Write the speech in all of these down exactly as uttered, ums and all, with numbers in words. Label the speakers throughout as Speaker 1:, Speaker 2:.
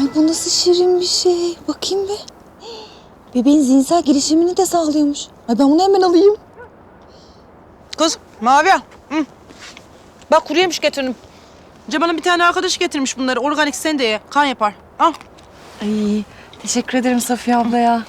Speaker 1: bu nasıl şirin bir şey. Bakayım bir. Bebeğin zihinsel gelişimini de sağlıyormuş. Ay ben bunu hemen alayım.
Speaker 2: Kız Mavi. Hı. Bak kuru yemiş getirdim. Cemal'in bir tane arkadaş getirmiş bunları. Organik, sen de ye. Kan yapar. Al.
Speaker 3: Ay teşekkür ederim Safiye abla ya.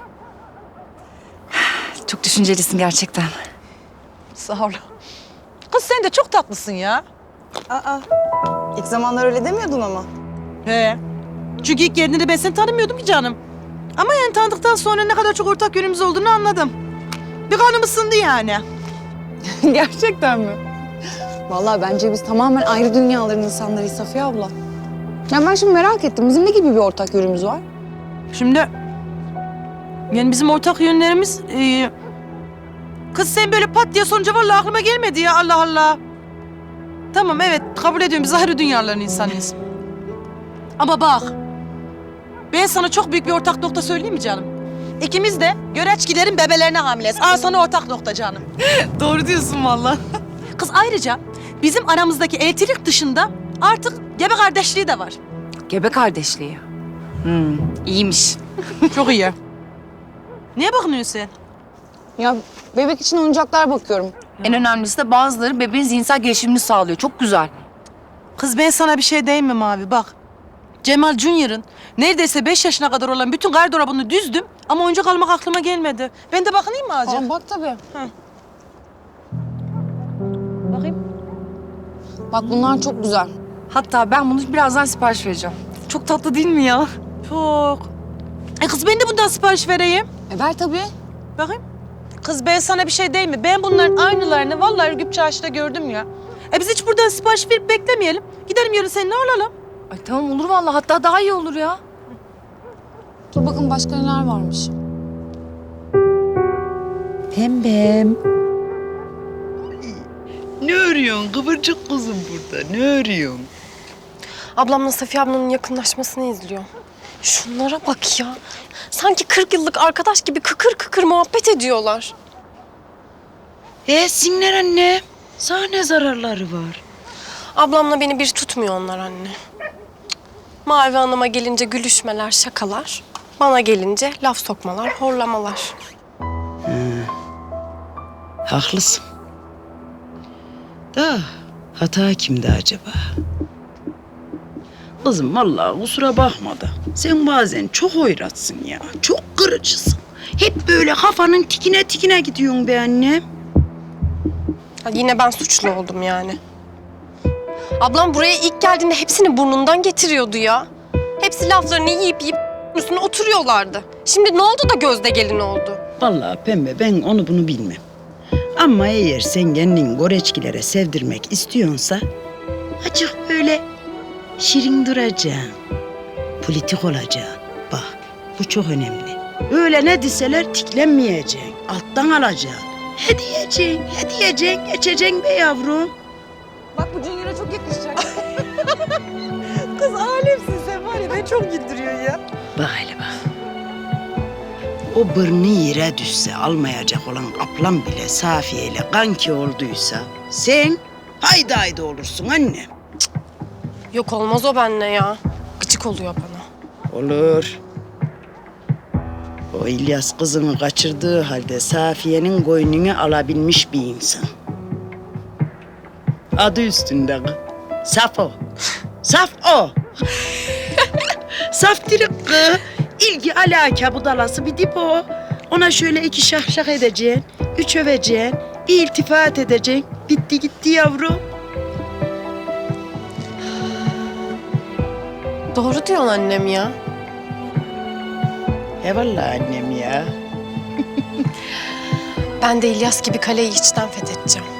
Speaker 3: Çok düşüncelisin gerçekten.
Speaker 2: Sağ ol. Kız sen de çok tatlısın ya.
Speaker 4: Aa, ilk zamanlar öyle demiyordun ama.
Speaker 2: He. Çünkü ilk geldiğinde ben seni tanımıyordum ki canım. Ama yani tanıdıktan sonra ne kadar çok ortak yönümüz olduğunu anladım. Bir kanım ısındı yani.
Speaker 4: Gerçekten mi? Vallahi bence biz tamamen ayrı dünyaların insanlarıyız Safiye abla. Ya ben şimdi merak ettim. Bizim ne gibi bir ortak yönümüz var?
Speaker 2: Şimdi yani bizim ortak yönlerimiz... E, kız sen böyle pat diye sorunca vallahi aklıma gelmedi ya, Allah Allah. Tamam, evet, kabul ediyorum, biz ayrı dünyaların insanıyız. Ama bak, ben sana çok büyük bir ortak nokta söyleyeyim mi canım? İkimiz de göreçkilerin bebelerine hamileyiz. Al sana ortak nokta canım.
Speaker 3: Doğru diyorsun vallahi.
Speaker 2: Kız ayrıca bizim aramızdaki eltilik dışında artık gebe kardeşliği de var.
Speaker 3: Gebe kardeşliği. Hmm, iyiymiş.
Speaker 2: Çok iyi. Niye bakmıyorsun sen?
Speaker 4: Ya bebek için oyuncaklar bakıyorum.
Speaker 3: En önemlisi de bazıları bebeğin zihinsel gelişimini sağlıyor. Çok güzel.
Speaker 2: Kız ben sana bir şey diyeyim mi Mavi? Bak. Cemal Junior'ın neredeyse beş yaşına kadar olan bütün gardırobunu düzdüm ama oyuncak almak aklıma gelmedi. Ben de bakayım mı azıcık?
Speaker 4: Aa, bak tabii.
Speaker 2: Bakayım.
Speaker 4: Bak bunlar çok güzel.
Speaker 3: Hatta ben bunu birazdan sipariş vereceğim. Çok tatlı değil mi ya?
Speaker 2: Çok. E kız ben de bundan sipariş vereyim.
Speaker 4: E ver tabii.
Speaker 2: Bakayım. Kız ben sana bir şey diyeyim mi? Ben bunların aynılarını vallahi Ürgüp Çarşı'da gördüm ya. E biz hiç buradan sipariş verip beklemeyelim. Gidelim yarın seninle alalım.
Speaker 3: Ay tamam olur vallahi. Hatta daha iyi olur ya.
Speaker 4: Dur bakın başka neler varmış.
Speaker 5: Pembem. Ne örüyorsun kıvırcık kızım burada? Ne örüyorsun?
Speaker 6: Ablamla Safiye ablanın yakınlaşmasını izliyor. Şunlara bak ya. Sanki kırk yıllık arkadaş gibi kıkır kıkır muhabbet ediyorlar.
Speaker 5: E sinler anne. Sana ne zararları var?
Speaker 6: Ablamla beni bir tutmuyor onlar anne. Mavi Hanım'a gelince gülüşmeler, şakalar. Bana gelince laf sokmalar, horlamalar.
Speaker 5: Haklısın. Da hata kimde acaba? Kızım vallahi kusura bakma da sen bazen çok hoyratsın ya. Çok kırıcısın. Hep böyle kafanın tikine tikine gidiyorsun be annem.
Speaker 6: Ha, yine ben suçlu oldum yani. Ablam buraya ilk geldiğinde hepsini burnundan getiriyordu ya. Hepsi laflarını yiyip yiyip üstüne oturuyorlardı. Şimdi ne oldu da gözde gelin oldu?
Speaker 5: Vallahi pembe ben onu bunu bilmem. Ama eğer sen kendini goreçkilere sevdirmek istiyorsa açık böyle şirin duracaksın. Politik olacaksın. Bak bu çok önemli. Öyle ne deseler tiklenmeyeceksin. Alttan alacaksın. He diyeceksin, he diyeceksin, geçeceksin be yavrum.
Speaker 2: Bak bu Junior'a çok yakışacak. Kız alemsin sen var ya, beni çok güldürüyor ya.
Speaker 5: Bak hele bak. O burnu yere düşse almayacak olan ablam bile Safiye ile kanki olduysa sen haydi haydi olursun annem.
Speaker 6: Yok olmaz o benimle ya. Gıcık oluyor bana.
Speaker 5: Olur. O İlyas kızını kaçırdığı halde Safiye'nin koynunu alabilmiş bir insan. Adı üstünde kız. Saf o. Saf o. Saf dirik kız. İlgi alaka budalası bir dip o. Ona şöyle iki şahşak edeceksin, üç öveceksin, bir iltifat edeceksin. Bitti gitti yavrum.
Speaker 6: Doğru diyorsun annem ya.
Speaker 5: Eyvallah annem ya.
Speaker 6: Ben de İlyas gibi kaleyi içten fethedeceğim.